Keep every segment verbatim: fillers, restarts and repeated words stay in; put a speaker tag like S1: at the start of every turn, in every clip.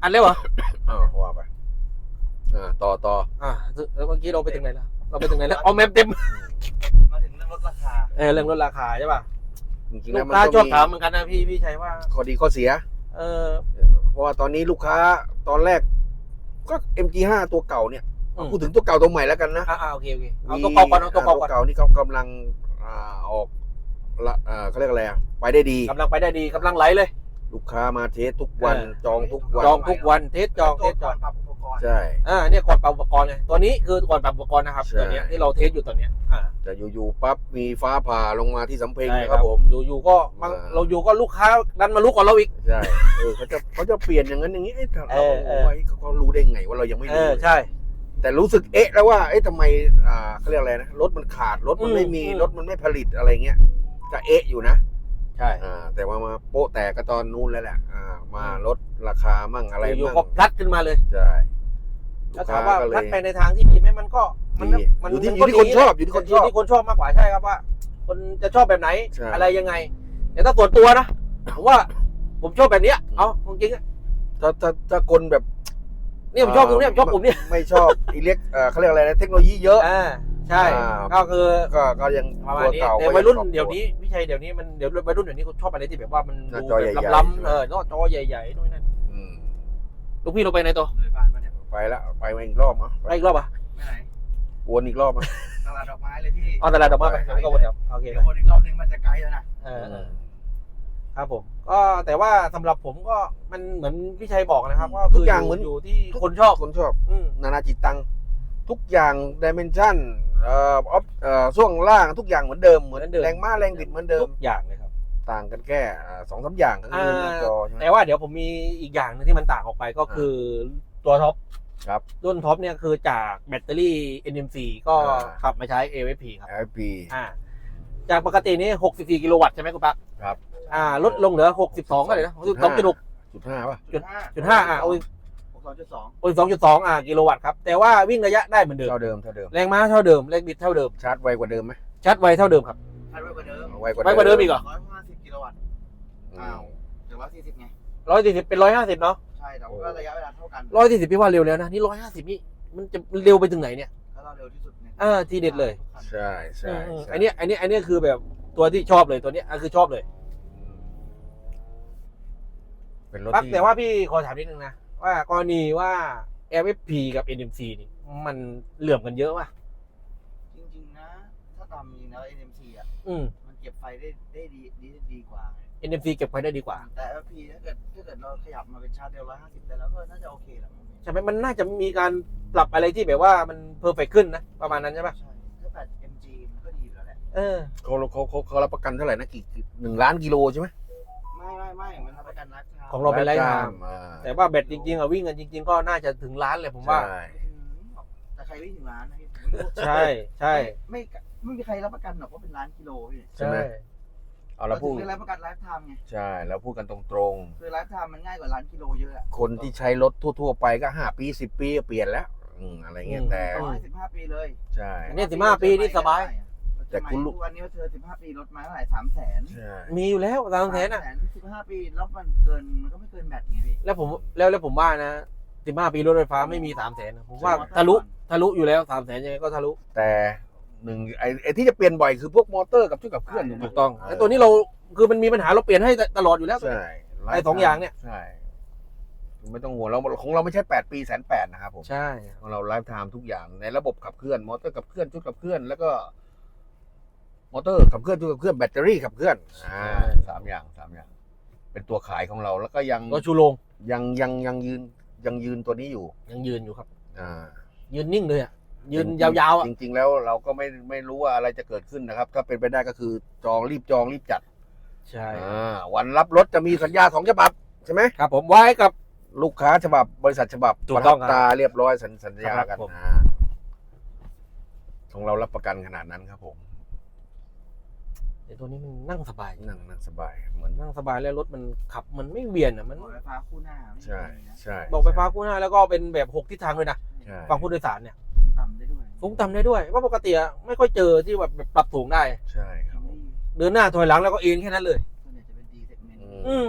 S1: อันแล้วเหรอ
S2: อ้าวว่าไปอ่าต่อต่อ
S1: อ่าแล้วเมื่อกี้เราไปถึงไหนแล้วเราไปถึงไหนแล้วเอาแมปเต็ม
S3: มาถึงเรื่องลดราคา
S1: เออเรื่องลดราคาใช่ป่ะ
S2: จริงๆ
S1: ลู
S2: แล้ว
S1: ก
S2: มัน
S1: ค้า
S2: ก็
S1: ชอบ
S2: มี
S1: ถามเหมือนกันนะพี่พี่ชัยว่า
S2: ข้อดีข้อเสีย
S1: เออ
S2: เพราะว่าตอนนี้ลูกค้าตอนแรกก็ เอ็ม จี ห้า ตัวเก่าเนี่ยพูดถึงตัวเก่าตัวใหม่แล้วกันนะ
S1: อ่าโอเคโอเคเอาตัวเก่าก่อนเอาตัวเก่าก่อน
S2: ตัวเก่านี่เขากำลังอ่าออกละอ่าเขาเรียกอะไรอ่ะไปได้ดี
S1: กำลังไปได้ดีกำลังไหลเลย
S2: ลูกค้ามาเทสทุกวันจองทุกวัน
S1: จองทุกวันเทสจองเทสจอง
S2: ใช่
S1: อ่าเนี่ยก่อนปรับอุปกรณ์ไงตัวนี้คือก่อนปรับอุปกรณ์นะครับตัวเนี้ยที่เราเทสอยู่ตอนเนี้ยอ่า
S2: แต่อยู่ๆปั๊บมีฟ้าผ่าลงมาที่สำเพ็งนะค
S1: ครั
S2: รั
S1: บบ
S2: ผม
S1: อยู่ๆก็เราอยู่ก็ลูกค้าดันมารู้ก่อนเราอีก
S2: ใช่เออเขาจะเขาจะเปลี่ยนอย่างนั้นอย่างนี้เอ้เรา
S1: เออเออ
S2: ไว้เขารู้ได้ไงว่าเรายังไม่
S1: เอ
S2: รู้
S1: อใช่
S2: แต่รู้สึกเอ๊ะแล้วว่าเอ๊ะทำไมอ่าเขาเรียกอะไรนะรถมันขาดรถมันไม่มี
S1: อืม
S2: รถมันไม่ผลิตอะไรเงี้ยก็เอ๊ะอยู่นะ
S1: ใช่
S2: อ่าแต่ว่ามาโป๊ะแตกก็ตอนนู้นแล้วแหละอ่ามาลดราคามั่งอะไร
S1: อยู่
S2: มั่ง
S1: ๆก็พลัดขึ้นมาเลย
S2: ใช่
S1: ถ้าถามว่า
S2: ลูก
S1: พลั
S2: ค้
S1: ดไปในทางที่ดีไหมมันก็มัน
S2: ดี
S1: มัน
S2: อยู่ที่
S1: มั
S2: อยู่ที่คนชอบอยู่ที่คนชอบ
S1: อยู่ที่คนชอบมากกว่าใช่ครับว่า คนจะชอบแบบไหน
S2: ใช่
S1: อะไรยังไงแต่ถ้าส่วนตัวนะผมว่าผมชอบแบบเนี้ยเอาจริงๆอะ
S2: ถ้าถ้าถ้าคนแบบ
S1: เนี่ยผมชอบตรงเนี้ยผมชอบผมเนี่ย
S2: ไม่ชอบอิเล็กเอ่อเขาเรียกอะไรนะเทคโนโลยีเยอะ
S1: อ่าใช่
S2: อ่า
S1: ก็คือ
S2: ก็ก็ยัง
S1: ประมา
S2: ตั
S1: ณ
S2: ว
S1: นี้
S2: เก่า
S1: แต่
S2: ก็
S1: วัยรุ่น
S2: ง
S1: เดี๋ยวนี้พี่ชัยเดี๋ยวนี้มันเดี๋ยววัยรุ่นเดี๋ยวนี้เขาชอบอะไรที่แบบว่ามัน
S2: หน้า
S1: ดู
S2: จอ
S1: แบ
S2: ใหญ่
S1: บ
S2: ๆ
S1: ล้ำ
S2: ใช่ไหม
S1: ๆเออจอใหญ่ๆด้วยนั่น
S2: อืม
S1: ลูกพี่เราไปไหนตัว
S3: เลยบ้านมาเนี่ย
S2: ไปแล้วไปมาอีกรอบมั้ง
S1: ไปอีกรอบอ่ะ
S3: ไม่ไหน
S2: วนอีกรอบมั้ง
S3: ตลาดดอกไม้เลยพี่
S1: เอาตลาดดอกไม้ไปแล้วก็วนแถวโอเค
S3: เดี๋ยววนอีกรอบนึงมันจะไกลแล้วนะ
S1: เออเออครับผมก็แต่ว่าสำหรับผมก็มันเหมือนพี่ชัยบอกนะครับว่า
S2: ทุกอย่างเหมือน
S1: อยู่ที่คนชอบ
S2: คนชอบ
S1: อืม
S2: นานาจิตตังทุกอย่างดิเมนชันเอ่อออฟเอ่อช่วงล่างทุกอย่างเหมือนเดิมเหมือนแรงม้าแรงบิดเหมือนเดิม
S1: ทุกอย่างเลยครับ
S2: ต่างกันแค่สองสามอย่างก็คือหน้าจอใช่ไหม
S1: แต่ว่าเดี๋ยวผมมีอีกอย่างหนึงที่มันต่างออกไปก็คือตัวท็อป
S2: ครับ
S1: รุ่นท็อปเนี่ยคือจากแบตเตอรี่ เอ็น เอ็ม ซี ก็
S2: อ่า
S1: ขับมาใช้ เอ เอฟ พี ครับ
S2: ไอ พี
S1: อ่าจากปกตินี่หกสิบสี่กิโลวัตต์ใช่ไหมคุณปั๊ก
S2: ครับ
S1: อ่าลดลงเหลือหกสิบสองก็เลยนะหกสิบสองจุดหก
S2: จุดห้าป่ะ
S1: จุดจุดห้าอ่าโอ้ย
S3: หกสองจุดสอง
S1: โอ้ยสองจุดสองอ่ากิโลวัตต์ครับแต่ว่าวิ่งระยะได้เหมือนเดิม
S2: เท่าเดิมเท่าเดิม
S1: แรงม้าเท่าเดิมแรงบิดเท่าเดิม
S2: ชาร์จไวกว่าเดิมไหม
S1: ชาร์จไวเท่าเดิมครับ
S3: ใช้ไว้กว่าเดิม
S2: ไวกว่า
S1: ไวกว่าเดิมอีกเหรอ
S3: ร้อยห้าสิบกิโลวัตต์
S2: อื
S3: อ้าม วเดี๋ยวร้อยสี่สิบไง
S1: ร้อยสี่สิบเป็นร้อยห้าสิบเนาะ
S3: ใช่แต่ว่าระยะเวลาเท่ากัน
S1: ร้อยสี่สิบพี่ว่าเร็วแล้วนะนี่ร้อยห้าสิบนี่มันจะเร็วไปถึงไหนเนี่ย
S3: แล้วเราเร็วที่สุดเนี่ย
S1: เออทีเด็ดเลย
S2: ใช่ใช่
S1: อืม
S2: ใช่
S1: อันเนี้ยอันเนี้ยอันเนี้ยคือแบบตัวที่ชอบเลยตัวเนี้ยอ่ะคือชอบเลย
S2: เป็นรถ
S1: ปั๊ก
S2: ที่
S1: แต่ว่าพี่ขอถามนิดนึงนะว่ากรณีว่า แอล เอฟ พี กับ เอ็น เอ็ม ซี นี่มันเหลื่อมกันเยอะป่ะ
S3: จริงๆนะถ้าตามจริงแล้ว เอ็น เอ็ม ซี อ่ะ
S1: อืม
S3: มันเก็บไฟได้ได้ดีดีดีกว่า
S1: เอ็น เอ็ม ซี เก็บไว้ได้ดีกว่า
S3: แต่ เอ พี ถ้าเกิดถ้าเกิดเราขยับมาเป็นชาร์จเร็วร้อยห้าสิบได้แล้วก็น่าจะโอเคแหละ
S1: ใช่ไหมมันน่าจะมีการปรับอะไรที่แบบว่ามันเพอร์เฟกขึ้นนะประมาณนั้นใช่ป่ะ
S3: ใช่ถ้าแบต เอ็ม จี มันก็ดีอยู่แล้วแหละ
S1: เออ
S2: เขาเขาเขาเขารับประกันเท่าไหร่นะกี่หนึ่งล้านกิโลใช่ไหม
S3: ไม่ไม่ไม่มันรับประกันไลฟ์ไทม์
S1: ของเราเป็นไลฟ์ไทม์
S2: อ่า
S1: แต่ว่าแบตจริงๆอะวิ่งกันจริง ๆ ก็น่าจะถึงล้านเลยผมว่า
S2: ใช่
S3: แต่ใครวิ่งถึงร้านนะพี่ผมไม่รู้
S1: ใช่ใช่
S3: ไม่ไม่ไม่มีใครรับประกันหรอกว่าเป็นล้านกิโลพี่
S2: ใช่ไหม เอาเราพูด
S3: ถึงได้รับประกันไลฟ์ไทม์ไง
S2: ใช่เราพูดกันตรง
S3: คือไลฟ์ไทม์มันง่ายกว่าล้านกิโลเยอะอะ
S2: ๆ คนที่ใช้รถทั่วๆไปก็ห้าปีสิบปีก็เปลี่ยนแล้วอืมอะไรเงี้ยแต่
S3: ร้อยสิบห้าปีเลย
S2: ใช่
S1: อันนี้สิบห้าปีนี่สบาย
S2: แต่
S3: แต่
S2: คุ
S3: คุณ ณ
S2: รู้
S3: รู้วันนี้ว่าเธอสิบห้าปีรถมาเท่าไหร่สามแสน
S2: ใช่
S1: มีอยู่แล้วสามแสนอะ
S3: สิบห้าปีแล้วมันเกินมันก็ไม่เกินแบตไงพี่
S1: แล้วผมแล้วแล้วผมว่านะสิบห้าปีรถไฟฟ้าไม่มีสามแสนผมว่าทะลุทะลุอยู่แล้วสามแสนยังไงก็ทะลุ
S2: แต่หนึ่งไอ้ไอ้ที่จะเปลี่ยนบ่อยคือพวกมอเตอร์กับชุดขับเคลื่อน
S1: ถูกต้องแต่ตัวนี้เราคือมันมีปัญหาเราเปลี่ยนให้ตลอดอยู่แล้ว
S2: ใช่
S1: ไอ้สองอย่างเนี่ย
S2: ใช่ไม่ต้องห่วงเราของเราไม่ใช่แปดปีแสนแปดนะครับผม
S1: ใช่
S2: ของเราไลฟ์ไทม์ทุกอย่างในระบบขับเคลื่อนมอเตอร์ขับเคลื่อนชุดขับเคลื่อนแล้วก็มอเตอร์ขับเคลื่อนชุดขับเคลื่อนแบตเตอรี่ขับเคลื่อนอ่าสามอย่างสามอย่าง เป็นตัวขายของเราแล้วก็ยัง
S1: ก็ชูโรง
S2: ยังยังยังยืนยังยืนตัวนี้อยู่
S1: ยังยืนอยู่ครับ
S2: อ่า
S1: ยืนนิ่งเลยอ่ะยืนยาวๆอ่ะ
S2: จริงๆแล้วเราก็ไม่ไม่รู้ว่าอะไรจะเกิดขึ้นนะครับ ถ้าเป็นไปได้ก็คือจองรีบจองรีบจัด
S1: ใช่
S2: อ่าวันรับรถจะมีสัญญาสองฉบับใช่ไหม
S1: ครับผมไว้กับ
S2: ลูกค้าฉบับบริษัทฉบับ
S1: ถูกต้อง
S2: ประทับตาเรียบร้อยสัญสัญญา
S1: ครั
S2: กับ น
S1: ผม
S2: อ่าของเรารับประกันขนาดนั้นครับผม
S1: เดี๋ยวตัวนี้มันนั่งสบาย
S2: นั่งนั่งสบายเหมือน
S1: นั่งสบายแล้วรถมันขับมันไม่เวียนอ่ะมัน
S3: บอกไฟฟ้าคู่หน้าไม่
S2: ใช่
S3: มีนะ
S2: ใช่
S1: บอกไฟฟ้าคู่หน้าแล้วก็เป็นแบบหกทิศทางเลยนะ
S2: ใช่
S1: ฝั่งผู้โดยสารเนี่ย
S3: สูงต่ำได้ด้วย
S1: สูงต่ำได้ด้วยว่าะปกติอะไม่ค่อยเจอที่แบบปรับสูงได้
S2: ใช่ครับผม
S1: เดินหน้าถอยหลังแล้วก็เอ็นแค่นั้นเลย
S3: ส่วนใหญ่จะเป็นดีเซกเมนต์
S1: อืม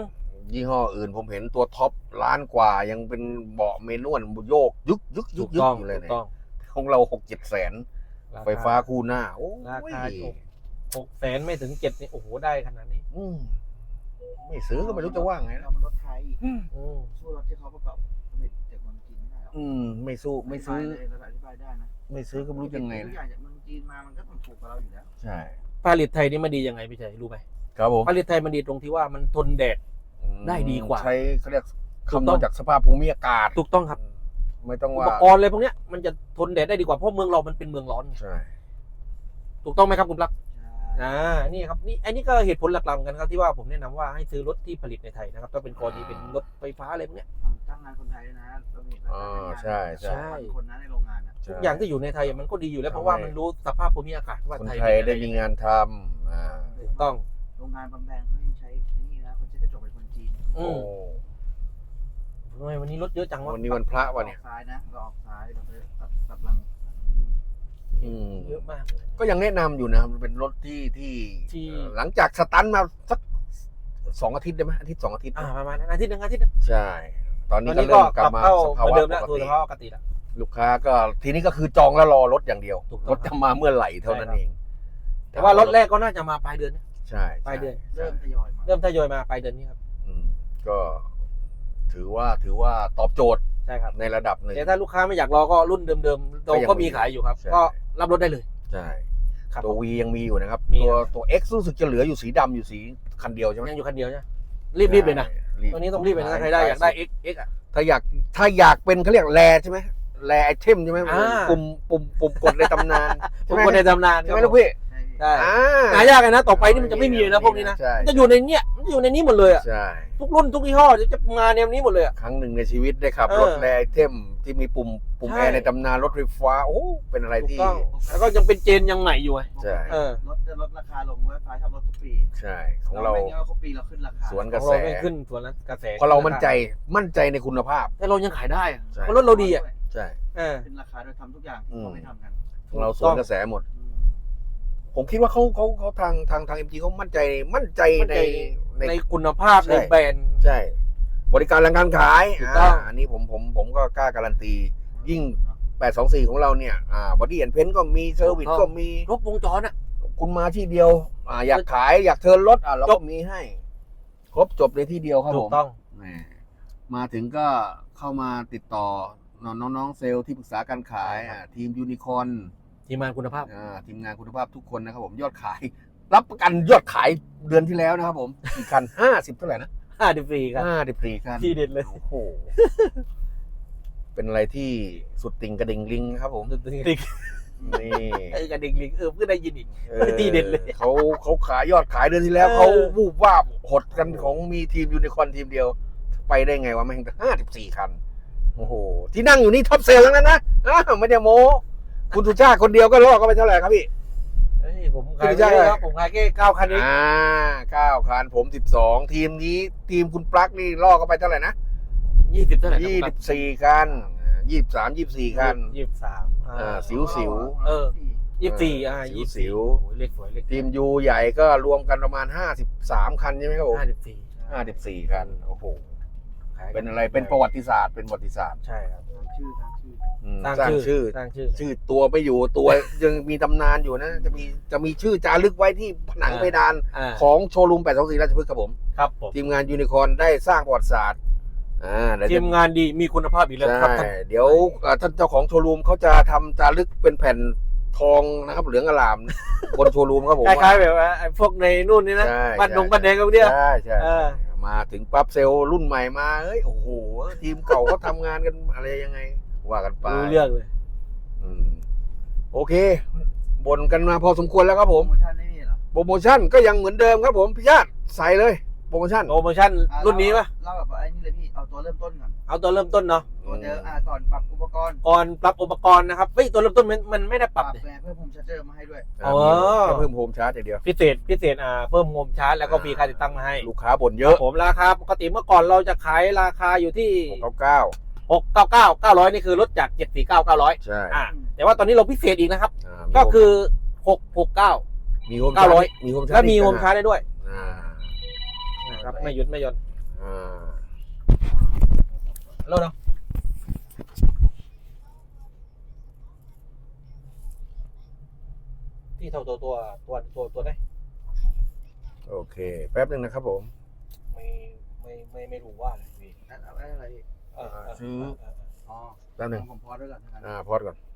S2: ยี่ห้ออื่นผมเห็นตัวท็อปล้านกว่ายังเป็นเบาะเมนวลโยกยึกยึกยึ
S1: ถู
S2: ก
S1: ก
S2: ยึก
S1: ต้อง
S2: อยู่เลย
S1: ถูก
S2: เนี่ย
S1: ต้อง
S2: ของเราหกเจ็ดแสนไฟฟ้าคู่หน้าโอ้ย
S1: ราคาถูกหกแสนไม่ถึงเจ็ดนี่โอ้โหได้ขนาดนี้
S2: อืมไม่ซื้อก็ไม่รู้จะว่าไง
S3: เรา
S2: นะ
S3: มันรถไทย
S1: อืม
S3: สู้รถที่เขาประกอบผลิตจากเมืองจีนไม่ได้หรอก
S2: อืมไม่สู้ไม่ซื้อ
S3: ธิบายเลยเราอธิบายได้นะ
S2: ไม่ซื้อก็ไม่รู้ยังไง
S3: ทุก
S2: นะ
S3: อย่างจากเมืองจีนมามันก็ต้องถูกกว่าเราอยู่แล้ว
S2: ใช่
S1: ผลิตไทยนี่มันดียังไงพี่ชัยรู้ไหม
S2: ครับผม
S1: ผลิตไทยมันดีตรงที่ว่ามันทนแดด ได้ดีกว่า
S2: ใช้เขาเรียก
S1: ถูก
S2: คำน
S1: ต้
S2: ว
S1: อ
S2: ณ
S1: ง
S2: จากสภาพภูมิอากาศ
S1: ถูกต้องครับ
S2: ไม่ต้อง
S1: อุ
S2: ว่า
S1: ปกรณ์อะไรพวกเนี้ยมันจะทนแดดได้ดีกว่าเพราะเมืองเรามันเป็นเมืองร้อนไง
S2: ใช่
S1: ถูกต้องไหมครับคุณปลั๊ก
S3: ใช่
S1: อ่านี่ครับนี่อันนี้ก็เหตุผลหลักๆเหมือนกันครับที่ว่าผมแนะนำว่าให้ซื้อรถที่ผลิตในไทยนะครับถ้าเป็นกรณีเป็นรถไฟฟ้าอะไรพวกเนี้ย
S3: จ้างงานคนไทยด้วยนะเรามีราย
S2: อ๋อ
S3: การ
S2: ใช่ใช่
S3: ใช่คนนั้นในโรงงานอ่ะ
S1: ทุกอย่างที่อยู่ในไทยมันก็ดีอยู่แล้วเพราะว่ามันรู้สภาพภูมิอากาศว่า
S2: คน
S1: ไทย
S2: ไทย
S1: เป็น
S2: ได้
S1: อะร
S2: มีงานทำอ่า
S1: ถูกต้อง
S3: โรงงานบางแบรนด์เขายังใช้ไอ้นี่นะคนใช้กระจกเป็นคนจีน
S1: อื
S2: โอ้
S1: มทำไมวันนี้รถเยอะจังวะ
S2: วันนี้วันพระวะเนี่ย
S3: ออกซ้ายนะเราออกซ้ายเราไปตัดตัดหลัง
S2: อืม
S1: เยอะมากเลย
S2: ก็ยังแนะนำอยู่นะครับมันเป็นรถที่ที่
S1: ที่
S2: เอ่อหลังจากสตันมาสักสองอาทิตย์ได้ไหมอาทิตย์สองอาทิตย์
S1: อ่าประมาณนั้นอาทิตย์หนึงอาทิตย์หนึง
S2: ใช่ ตอน
S1: ต
S2: นี้
S1: อน
S2: ก็
S1: นี้
S2: เริ่
S1: ก็
S2: มก
S1: ก
S2: ลั
S1: ลั
S2: บบ มา
S1: เข้า
S2: ส
S1: เห
S2: ภา
S1: มือน
S2: วะ
S1: เดิม
S2: ป
S1: แล้ว
S2: ก
S1: สู่
S2: ติ
S1: สภาพปกติแล้ว
S2: ลูกค้าก็ทีนี้ก็คือจองแล้วรอรถอย่างเดียว
S1: ถูกต้อง
S2: รถจะมาเมื่อไหร่เท่านั้น
S1: ใช่ครับ
S2: เอง
S1: แต่ว่ารถแรกก็น่าจะมาปลายเดือนนะ
S2: ใช่
S1: ปลายเดือน
S2: ใช่
S3: เริ่มทยอยมา
S1: เริ่มทยอยมาปลายเดือนนี้ครับ
S2: อืมก็ถือว่าถือว่าตอบโจทย์
S1: ใช่ครับ
S2: ในระดับหนึ่ง
S1: แต่ถ้าลูกค้าไม่อยากรอก็รุ่นเดิมๆเรา
S2: ก็ยัง
S1: ก็มี
S2: มี
S1: ขายอยู่ครับ
S2: ใช่
S1: ก็รับรถได้เลย
S2: ใช่
S1: ครับ
S2: ตัว V ยังมีอยู่นะครับ
S1: มี
S2: ตัว
S1: ครับ
S2: ตัว X รู้สึกจะเหลืออยู่สีดำอยู่สีคันเดียวใช่ไหม
S1: ยังอยู่คันเดียวใช่ไหมรีบๆเลยนะ
S2: รีบ
S1: ตัวนี้ต้องรีบเลยนะถ้าใครได้อยากได้ X X อ่ะ
S2: ถ้าอยากถ้าอยากเป็นเขาเรียกแรใช่ไหมแรไอเทมใช่ไหม
S1: อ่า
S2: ปุ่มปุ่มปุ่มกดในตำนาน
S1: ผ
S2: ใช่
S1: ม
S2: ไหม
S1: คนในตำนาน
S2: ใช่ไหม
S1: ครับ
S2: ลูกพี่
S3: ใช่
S1: ใช่
S2: อ่า
S1: หายากเลยนะต่อไปนี่มันจะไม่มีเลยนะพวกนี้นะ
S2: ใช่
S1: มันจะอยู่ในเนี้ยมันจะอยู่ในนี้หมดเลยอ่ะ
S2: ใช่
S1: ทุกรุ่นทุกยี่ห้อจะมาแนวนี้หมดเลยอ่ะ
S2: ครั้งหนึ่งในชีวิตได้ขับ
S1: เออ
S2: รถแรไอเทมที่มีปุ่มปุ่ม
S1: ใช่
S2: แอร์ในตำนานรถไฟฟ้าโอ้เป็นอะไร
S1: ถูก
S2: ที่
S1: ต้องแล้วก็ยังเป็นเจนยังใหม่อยู่ไง
S2: ใช่
S1: เออ
S3: รถจะลดราคาลงเว็บไซต์ชอบลดทุกปี
S2: ใช่ของเรา
S3: ไม่งั้นเขาปีเราขึ้นราคา
S2: สวน
S1: ข
S2: ก
S1: อ
S2: ระ
S1: ง
S2: แส
S1: เราไม่ขึ้นส่วนนั้นกระแส
S2: เพราะเรามั่นใจมั่นใจในคุณภาพ
S1: แต่เรายังขายได้อะ
S2: ใช่
S1: เพราะรถเราดีอ่ะ
S2: ใช่
S1: เออ
S3: ขึ้นราคาโดยทำทุกอย่าง
S2: อืม
S3: เขาไม่ทำกัน
S2: ของเราสวนกระแสหมด
S3: อืม
S2: ผมคิดว่าเขาเขาเขาทางทางทางเอ็มจีเขามั่นใจมั่นใจ
S1: มั่น
S2: ใน
S1: ใจ
S2: ใน
S1: ในคุณภาพ
S2: ใช่
S1: ในแบรนด์
S2: ใช่ บริการหลังการขาย
S1: ถูกต้อง
S2: าอันนี้ผมผมผมก็กล้าการันตี ยิ่ง แปดสองสี่ของเราเนี่ยอ่าบอดี้แอนเพนก็มีเซอร์วิสก็มี
S1: ครบวงจรอ่ะ
S2: คุณมาที่เดียวอ่าอยากขายอยากเทิร์นรถอ่ะเรา
S1: จ
S2: ก็
S1: บ
S2: มีให้ ครบจบในที่เดียวครับ
S1: ถู
S2: ผ
S1: ก
S2: ม
S1: ต้อง
S2: แหมมาถึงก็เข้ามาติดต่อน้องน้องๆเซลล์ที่ปรึกษาการขายอ่าทีมยูนิคอร์น
S1: ทีมงานคุณภาพ
S2: อ่าทีมงานคุณภาพทุกคนนะครับผมยอดขาย รับประกันยอดขายเดือนที่แล้วนะครับผมกี่คันห้าสิบเท่าไหร่นะ
S1: ห้าสิบสี่ครับ
S2: ห้าสิบสี่คัน
S1: ที่เด็ดเลย
S2: โอ้โห เป็นอะไรที่สุดติ่งกระดิ่งลิงครับผม
S1: ติ๊ก
S2: นี่
S1: ไอ้กระดิ่งลิงเออเพิ่งได้ยินอีก
S2: ออ
S1: ที่เด็ดเลย
S2: เขาเขาขายยอดขายเดือนที่แล้ว
S1: เออ
S2: เขาวูบวาบหดกันของมีทีมยูนิคอร์นทีมเดียว ไปได้ไงวะแม่งห้าสิบสี่คัน โอ้โห ที่นั่งอยู่นี่ท็อปเซลล์ทั้งนั้นนะอ้าวไม่ได้โม้ คุณสุชาติคนเดียวก็ล่อก็ไปเท่าไหร่ครับพี่
S1: เฮ้ยผมขาย
S2: ไม่ใช่
S1: ไม่ได้ครับผมขายแค่เก้าคันเอง
S2: อ่าเก้าคันผมสิบสองทีมนี้ทีมคุณปลั๊กนี่ล่อก็ไปเท่าไหร่นะ
S1: ยี่สิบเท่าไหร่
S2: ยี่สิบสี่คันยี่สิบสามยี่สิบสี่คัน
S1: ยี่สิบสาม
S2: อ่าสิวสิว
S1: เออ ยี่สิบสี่อ่า
S2: สิว
S1: ยี่สิบ
S2: สิว
S1: โอ้ยเลขสวยเลข
S2: ทีมยูใหญ่ก็รวมกันประมาณห้าสิบสามคันใช่ไหมครับผม
S1: ห้าสิบสี่
S2: ห้าสิบสี่คันโอ้โห
S1: ขายกั
S2: เป็นอะไรเป็นประวัติศาสตร์เป็นประวัติศาสตร์
S1: ใช่ครับ
S3: ทางชื่อทางชื่อ
S2: อืม
S1: สร้าง
S2: สร้าง
S1: ชื่อ
S2: ชื่อ
S1: สร้างชื่อ
S2: ชื่อตัวไม่อยู่ตัวยังมีตำนานอยู่นะ จะมีจะมีชื่อจารึกไว้ที่ผนัง
S1: อ่า
S2: เพดาน
S1: อ่า
S2: ของโชว์รูมแปดสองสี่ราชพฤกษ์ครับผม
S1: ครับผม
S2: ทีมงานยูนิคอร์นได้สร้างประวัติศาสตร์อ่าเดี๋ยว
S1: ที
S2: จะ
S1: มงานดีมีคุณภาพอีกแล้วครับ
S2: ใช่
S1: ท่าน
S2: เดี๋ยวเอ่อท่านเจ้าของโชว์รูมเขาจะทำจารึกเป็นแผ่นทองนะครับเหลืองอลาม บนโชว์รูมครับผม
S1: คล้ายๆแบบว่าไอ้พวกในนู่นนี่นะ
S2: ใช่
S1: บ้านดง
S2: ใช่
S1: บ้านแดงกันเนี่ย
S2: ใช่ใช่
S1: เออ
S2: มาถึงปั๊บเซลล์รุ่นใหม่มาเฮ้ยโอ้โหทีมเก่าเขาทำงานกันอะไรยังไง ว่ากันไป
S1: รู้เรื่องเลย
S2: อืมโอเคบ่นกันมาพอสมควรแล้วครับผ
S3: โปร
S2: ม
S3: โมชั่นไม่มีเหรอ
S2: โปรโมชั่นก็ยังเหมือนเดิมครับผมพี่ชาติใส่เลยโปรโมชั่น
S1: โปรโมชั่น
S3: อ่ะ
S1: รุ่นนี้ปะ
S3: เล่าแบบว่าไอ้นี่เลยพี่เอาตัวเริ่มต้นก่อน
S1: เอาตัวเริ่มต้นเนาะ
S3: ตัวเดิมอ่าก่อนปรับอุปกรณ์
S1: ก่อนปรับอุปกรณ์นะครับเฮ้ยตัวเริ่มต้นมันมันไม่ได้ป
S3: ป
S1: รั
S3: รั
S1: บบ เลย
S3: แปลงเพิ่มโฮมชาร์เจอร์มาให้ด้วย
S2: อ่า
S1: อ๋อ
S2: มีแค่เพิ่มโฮมชาร์จอย่างเดียว
S1: พิเศษพิเศษอ่าเพิ่มโฮมชาร์จแล้วก็ฟรีค่าติดตั้งมาให้
S2: ลูกค้าบ่นเยอะ
S1: ผมราคาปกติเมื่อก่อนเราจะขายราคาอยู่ที่
S2: หกเก้าเก้า
S1: หกเก้าเก้าเก้าร้อยนี่คือลดจากเจ็ดสี่เก้าเก้าร้อย
S2: ใช่
S1: อ่าแต่ว่าตอนนี้เราพิเศษอีกนะครับ
S2: า
S1: ก็คือหกหกเก้า
S2: มีโฮม
S1: เก้าร้อย
S2: มีโฮมชาร์จ
S1: แล้วมีโฮม
S2: อีก
S1: ชาร์จได้ด้วย
S2: อ่า
S1: นะครับไม่หยุดไม่หย่อน
S2: ออ่า
S1: แล้วเนาะที่เท่าตัวตัวตัวตัวตัวได้
S2: โอเคแป๊บหนึ่งนะครับผม
S1: ไม่ไม่ไม่ไม่รู้ว่าอะไรพี่
S3: นั่นเอาไว้อะไรพี่
S1: เออเออ
S2: ซื้อ
S1: เออเออ
S3: อ๋อ
S2: แป๊บหนึ่ง
S3: ผมพอด้วยก่อนทั้งนั้น
S2: อ่าพอดก่อน